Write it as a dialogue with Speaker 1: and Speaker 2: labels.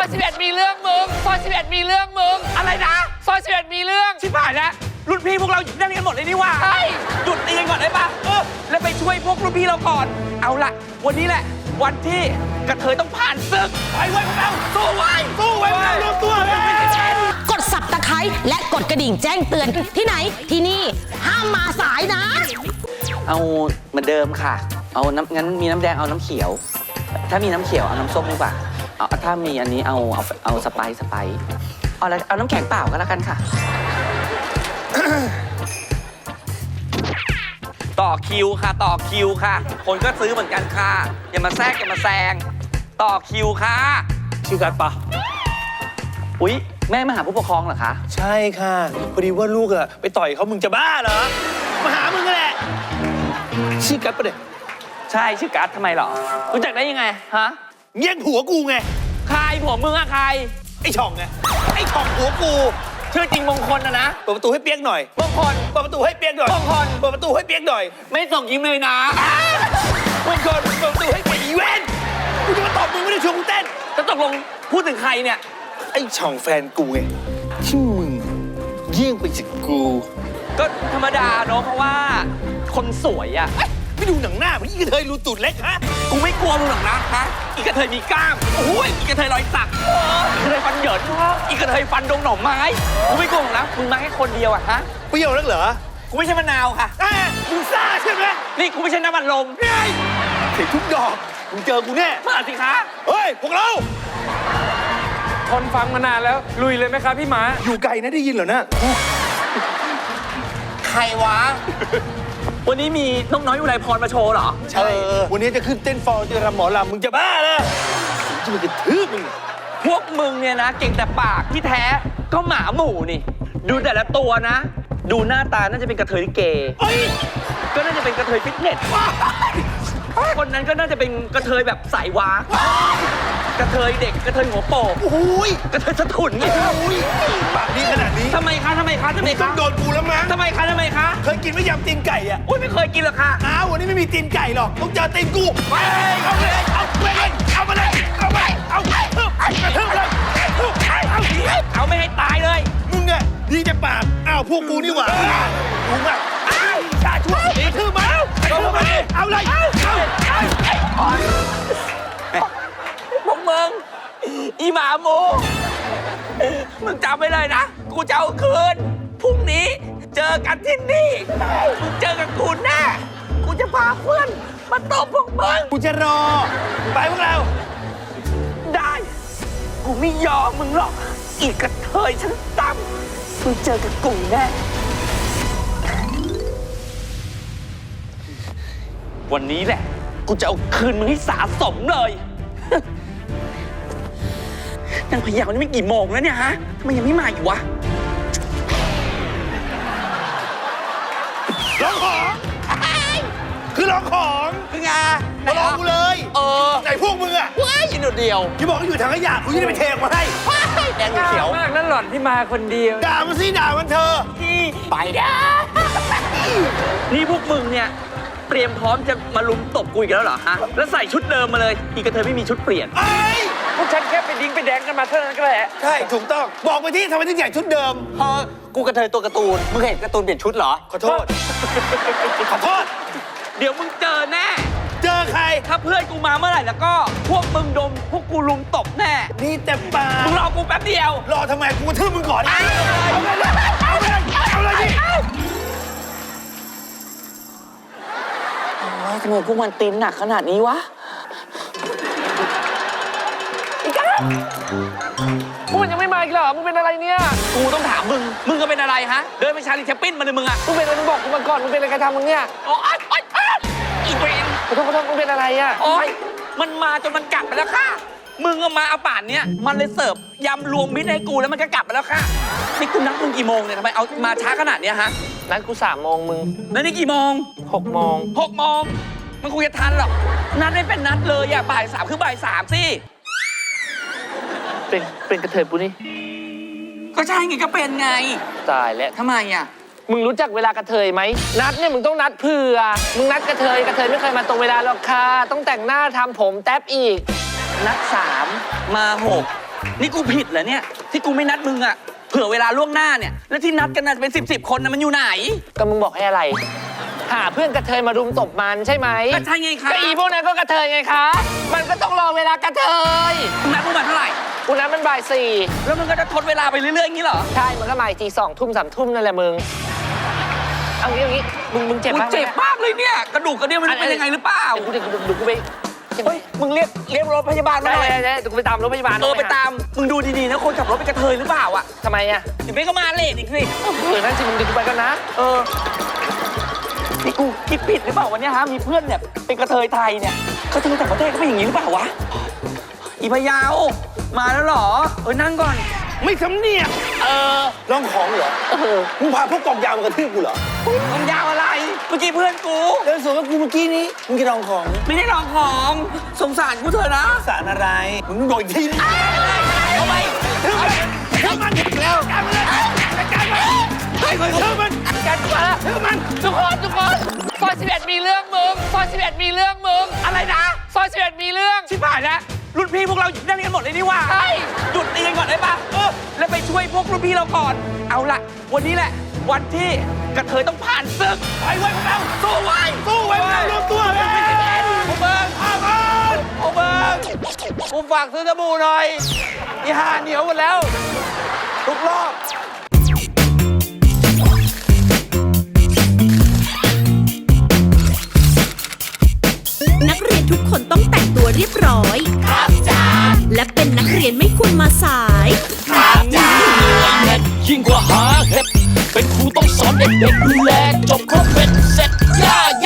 Speaker 1: อย11มีเรื่องมึงซอย11มีเรื่องมึงอะไรนะซอย11มีเรื่องชิบหายแล้วรุ่นพี่พวกเราหยุดนั่งกันหมดเลยนี่ว่าใช่หยุดตีกันก่อนได้ปะแล้วไปช่วยพวกรุ่นพี่เราก่อนเอาละวันนี้แหละวันที่กระเทยต้องผ่านศึกไปไว้พวกเราสู้ไว้พวกเรารวมตัวเลย
Speaker 2: กดสับตะไคร้และกดกระดิ่งแจ้งเตือนที่ไหนที่นี่ห้ามมาสายนะ
Speaker 3: เอาเหมือนเดิมค่ะเอางั้นมีน้ำแดงเอาน้ำเขียวถ้ามีน้ำเขียวเอาน้ำส้มดีกว่าเอาถ้ามีอันนี้เอาสไปซ์เอาน้ำแข็งเปล่าก็แล้วกันค่ะ ต่อคิวค่ะต่อคิวค่ะคนก็ซื้อเหมือนกันค่ะอย่ามาแทรกอย่ามาแซงต่อคิวค่ะ
Speaker 4: ชื่อกัดปะ
Speaker 3: อุ๊ยแม่มาหาผู้ปกครองเหรอคะ
Speaker 4: ใช่ค่ะพอดีว่าลูกอะไปต่อยเขามึงจะบ้าเหรอมาหามึงแหละชื่อกัดปะเด็ก
Speaker 3: ใช่ชื่อกัดทำไมหรอรู้จักได้ยังไงฮะ
Speaker 4: แย่งผัวกูไง
Speaker 3: ใครผัวมึงอะใคร
Speaker 4: ไอ้ช่องไงไอ้ช่องผัวกู
Speaker 3: ชื่อจริงมงคลนะ
Speaker 4: เปิดประตูให้เปียกหน่อย
Speaker 3: มงคล
Speaker 4: เปิดประตูให้เปียกหน่อย
Speaker 3: มงคล
Speaker 4: เปิดประตูให้เปียกหน่อย
Speaker 3: ไม่ส่งยิ้มเลยนะ
Speaker 4: มงคลเปิดประตูให้เปียกอีเวนต์กูจะมาตอบมึงไม่ได้ชวนกูเต้น
Speaker 3: จะตกลงพูดถึงใครเนี่ย
Speaker 4: ไอ้ช่องแฟนกูไงที่มึงเยี่ยงไปจากกู
Speaker 3: ก็ธรรมดาเนาะเพราะว่าคนสวยอะ
Speaker 4: ไม่ดูหนังหน้ามึงอีกระเทยรูตูดเล็กฮะ
Speaker 3: กูไม่กลัวมึงหรอกนะฮะอีกระเทยมีกล้ามโอ้ยอีกระเทยรอยสักอีกระเทยฟันเหยินอีกระเทยฟันดงหน่อไม้กูไม่กลัวหรอกนะมึงมาแค่คนเดียวอะฮะ
Speaker 4: เปรี้ยวนักเหรอ
Speaker 3: กูไม่ใช่มะนาวค่ะ
Speaker 4: มึงซ่าใช่ไหม
Speaker 3: นี่กูไม่ใช่น้ำมันลม
Speaker 4: เฮ้ยเห็นทุกดอกมึงเจอกูแน่
Speaker 3: มาสิคะ
Speaker 4: เฮ้ยพวกเรา
Speaker 1: คนฟังมานานแล้วลุยเลยไหมครับพี่หมา
Speaker 4: อยู่ไกลนะได้ยินเหรอนะ
Speaker 3: ใครวะวันนี้มีน้องน้อยอุไรพรมาโชว์เหรอ
Speaker 4: ใช่วันนี้จะขึ้นเต้นฟอร์จะรำหมอลำมึงจะบ้าเลยจะมึงจะทืบมึง
Speaker 3: พวกมึงเนี่ยนะเก่งแต่ปากที่แท้ก็หมาหมู่นี่ดูแต่ละตัวนะดูหน้าตาน่าจะเป็นกระเทยลิเกก็น่าจะเป็นกระเทยฟิตเนสคนนั้นก็น่าจะเป็นกระเทยแบบสายวากระเทยเด็กกระเทยหัวโปก
Speaker 4: โอ้ย
Speaker 3: กระเทยสะทุนนี่
Speaker 4: ปากนี้ขนาดนี้
Speaker 3: ทำไมคะ
Speaker 4: ต้องโดนกูแล้วมั้ง
Speaker 3: ทำไมคะ
Speaker 4: เคยกินไม่ยำตีนไก่อ่ะ
Speaker 3: อุ้ยไม่เคยกินหรอกค่ะ
Speaker 4: วันนี้ไม่มีตีนไก่หรอกต้องเจอตีนกูไปเอาเลยเอามาเลยเอาเลย
Speaker 3: เอาไม่ให้ตายเลย
Speaker 4: มึงเนี่ยดีแต่ปากพวกกูนี่หว่ามึงอ่ะชาช่วยตีทื่อมาเอาเลย
Speaker 3: พวกมึงอีหมาหมูมึงจำไว้เลยนะกูจะเอาคืนพรุ่งนี้เจอกันที่นี่มึงเจอกับกูแน่กูจะพาเพื่อนมาตบพวกมึง
Speaker 4: กูจะรอไปพวกเรา
Speaker 3: ได้กูไม่ยอมมึงหรอกอีกกระเทยฉันต่ำมึงเจอกับกูแน่วันนี้แหละกูจะเอาคืนมึงให้สาสมเลยนางพยานี่ไม่กี่โมงแล้วเนี่ยฮะทำไมยังไม่มาอีกวะ
Speaker 4: ร้องของคือร้องของ
Speaker 3: คือไง
Speaker 4: มาลองกูเลยไหนพวกมึงอะ
Speaker 3: ว้ายยินเดียว
Speaker 4: ที่บอกอยู่ทางขยะกูจะได้ไปเทมาให้
Speaker 3: แดงเขียว
Speaker 1: มากนั่นหล่อนที่มาคนเดียว
Speaker 4: ด่ามันสิด่ามันเธอ
Speaker 3: ที่ไปนะนี่พวกมึงเนี่ยเตรียมพร้อมจะมาลุมตบกูอีกแล้วเหรอฮะแล้วใส่ชุดเดิมมาเลยอีกกระเทยไม่มีชุดเปลี่ยน
Speaker 1: พวกฉันแค่ไปดิ้งไปแดงกันมาเท่านั้นก็แหละ
Speaker 4: ใช่ถูกต้องบอกไปที่ทำไมถึงใส่ชุดเดิม
Speaker 3: กูกระเทยตัวการ์ตูนมึงเห็นการ์ตูนเปลี่ยนชุดเหรอ
Speaker 4: ขอโทษ
Speaker 3: เดี๋ยวมึงเจอแน่
Speaker 4: เจอใคร
Speaker 3: ถ้าเพื่อนกูมาเมื่อไหร่แล้วก็พวกมึงดมพวกกูลุมตบแน่
Speaker 4: นี่แต่ปา
Speaker 3: มึงรอกูแป๊บเดียว
Speaker 4: รอทำไมกูกระทืบมึงก่อนเอาเลยดิ
Speaker 3: ทำไมพวกมันตีนหนักขนาดนี้วะอีกแล้ว
Speaker 1: พวกมันยังไม่มาอีกเหรอมึงเป็นอะไรเนี่ย
Speaker 3: กูต้องถามมึงก็เป็นอะไรฮะเดินไปชาลีแชปปิ้นมาเลยมึงอะ
Speaker 1: มึงเป็นอะไรมึงบอกกูมาก่อนมึงเป็นอะไรกันทำมึงเนี่ย
Speaker 3: โอ๊ยอีเวน
Speaker 1: ขอโทษมึงเป็นอะไรอะ
Speaker 3: โอ๊ยมันมาจนมันกลับไปแล้วค่ะมึงก็มาเอาป่านเนี้ยมันเลยเสิร์ฟยำรวมมิตรให้กูแล้วมันก็กลับไปแล้วค่ะนี่กูนัดมึงกี่โมงเนี่ยทำไมเอามาช้าขนาดเนี้ยฮะ
Speaker 1: นัดกู3 โมงมึง
Speaker 3: แล้วนี่กี่โมง
Speaker 1: 6 โมง
Speaker 3: มันคุยจะทันหรอกนัดไม่เป็นนัดเลยอ่ะบ่าย 3คือบ่าย 3สิ
Speaker 1: เป็นกระเทยปุนี่
Speaker 3: ก็ใช่ไงก็เป็นไง
Speaker 1: ตายแล้ว
Speaker 3: ทำไมอ่ะ
Speaker 1: มึงรู้จักเวลากระเทยไหมนัดเนี่ยมึงต้องนัดเผื่อมึงนัดกระเทยไม่เคยมาตรงเวลาหรอกค่ะต้องแต่งหน้าทำผมแท็บอีก
Speaker 3: นัด3มา6
Speaker 1: นี่กูผิดเหรอเนี่ย ที่กูไม่นัดมึงอะเผื่อเวลาล่วงหน้าเนี่ย แล้วที่นัดกันน่ะเป็น10 คนนะมันอยู่ไหน
Speaker 3: ก็มึงบอกให้อะไร หาเพื่อนกระเทยมารุมตบมันใช่ไหม
Speaker 1: ก็ใช่ไงคะ
Speaker 3: ก็อีพวกนั้นก็กระเทยไงคะ มันก็ต้องรอเวลากระเทย
Speaker 1: มึงนัดมึงมาเท่าไหร่
Speaker 3: กูนั้นมันบ่ายสี่
Speaker 1: แล้วมึงก็จะทดเวลาไปเรื่อยๆอย่างนี้เหรอ
Speaker 3: ใช่ มันก็บ่ายจี2 ทุ่ม 3 ทุ่มนั่นแหละมึง เอางี้มึงเจ็บ
Speaker 1: กู
Speaker 3: บ้างไหม
Speaker 1: เจ็บมากเลยเนี่ย กระดูกกระเดี่ยวมันเป็นยังไงหรือเปล่า
Speaker 3: เดี๋ยวกูไป
Speaker 1: เฮ้ย มึงเรียกรถพยาบาลมา
Speaker 3: ได้
Speaker 1: หน่อย
Speaker 3: เดี๋ยวกูไปตามรถพยาบาล
Speaker 1: ไปตาม มึงดูดีๆนะคนขับรถเป็นกระเทยหรือเปล่าอะ
Speaker 3: ทำไมอ่ะ
Speaker 1: เดี๋ยวไม่ก็มาเลทอีกสิ
Speaker 3: นั่นสิมึงเดี๋ยวกูไปกันนะ
Speaker 1: นี่กูคิดผิดหรือเปล่าวันนี้ฮะ มีเพื่อนเนี่ยเป็นกระเทยไทยเนี่ยกระเทยต่างประเทศก็เป็นอย่างนี้หรือเปล่าวะ อีพะเยาวมาแล้วเหรอ นั่งก่อน
Speaker 4: ไม่สำเนียกลองของเหรอมึงพาพวกกองยาวมากระทืบกูเหรอ
Speaker 1: มึงยาวอะไร เมื่อกี้เพื่อนกู
Speaker 4: เดินสวนกับกูเมื่อกี้นี้มึงจะลองของ
Speaker 1: ไม่ได้ลองของ สงสารกูเถอะนะ
Speaker 4: สารอะไรมึงบอกอีกทีนึง
Speaker 1: เอาไป
Speaker 4: ทืบมันแล้วกันเลยกันมันทืบมัน
Speaker 1: กันมาแล้ว
Speaker 4: ทืบมัน
Speaker 1: ทุกคนซอย11มีเรื่องมึงซอย11มีเรื่องมึงอะไรนะซอย11มีเรื่องชิบหายแล้วรุ่นพี่พวกเราอยู่ที่นั่นกันหมดเลยนี่หว่าใช่หยุดตีกันก่อนได้ปะแล้วไปช่วยพวกรุ่นพี่เราก่อน เอาล่ะ วันนี้แหละ วันที่กระเทยต้องผ่านศึกไปไว้พวกเราสู้ไว้
Speaker 4: สู้ไว้พวกเรารวมตัวเลย
Speaker 1: โอเบิร์นโอเบิร์นกูฝากซื้อสบู่หน่อยอีห่าเหนียวหมดแล้วทุกรอบ
Speaker 5: นักเรียนทุกคนต้องแต่งตัวเรียบร้อย ครับจ้าและเป็นนักเรียนไม่ควรมาสาย
Speaker 6: ยิ่งกว่าหาเห็ดเป็นครูต้องสอนเด็กๆดูแลจบครบเป็นเสร็จย่า